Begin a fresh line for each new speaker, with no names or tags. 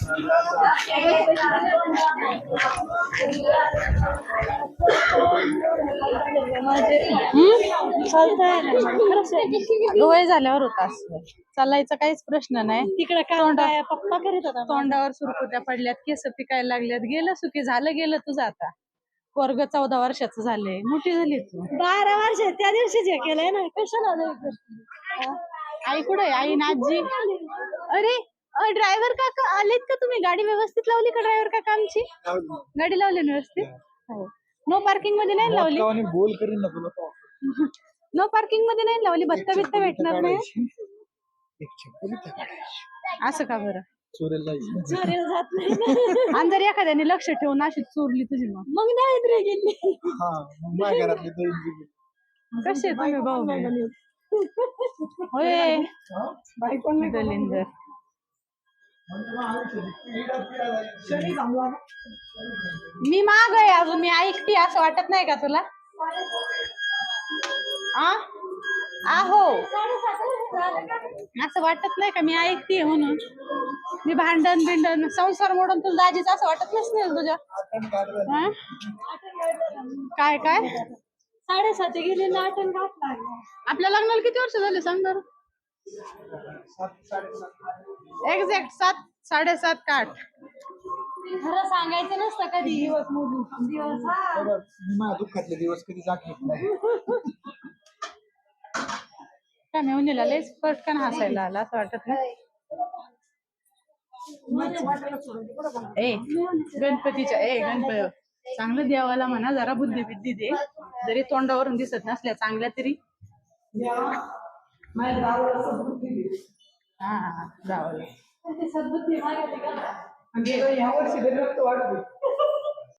वय झाल्यावर होता चालायचा काहीच प्रश्न नाही. तिकडे काय पप्पा करीत होता. तोंडावर सुरकुत्या पडल्यात, केस पिकायला लागल्यात. गेलं सुखी झालं, गेलं तुझं आता. वर्ग 14 वर्षाचं झालंय, मोठी झाली तू. 12 वर्ष त्या दिवशीच हे केलंय ना. कशाला आई कुठे? आई ना आजी. अरे ड्रायव्हर काका आलेत का? तुम्ही गाडी व्यवस्थित लावली का? ड्रायव्हर काका आमची गाडी लावली व्यवस्थित. हो. नो पार्किंग मध्ये नाही लावली. बोल करीन ना तुला. नो पार्किंग मध्ये नाही लावली. भत्ता बित्ता भेटणार नाही. असं का बरं? चोरीला जात नाही. आणि जर एखाद्याने लक्ष ठेवून अशी चोरली तुझी मग नाही गेली. कसे तुम्ही भाऊ होय दलिंदर. मी माग आहे अजून. मी ऐकते असं वाटत नाही का तुला? आहो असं वाटत नाही का मी ऐकते म्हणून? मी भांडण बिंडण संसार मोडून तुला दाजीच असं वाटत नसेल तुझ्या? काय काय 7:30 गेले नाटन घातला. आपल्या लग्नाला किती वर्ष झाले सांग बरं? एक्झॅक्ट 7, 7.5 का 8? खरं सांगायचं नसतं कधी. दिवस मोजून दिवस माझ्या दुःखातले दिवस कधी जात नाही. काय मेवणीला लयच पटकन हसायला आला असं वाटत नाही. गणपतीच्या गणपती चांगलं देवाला म्हणा जरा बुद्धी बिद्धी दे. जरी तोंडावरून दिसत नसल्या चांगल्या तरी हा गावाला सद्बुद्धी या वर्षी रक्त वाढते.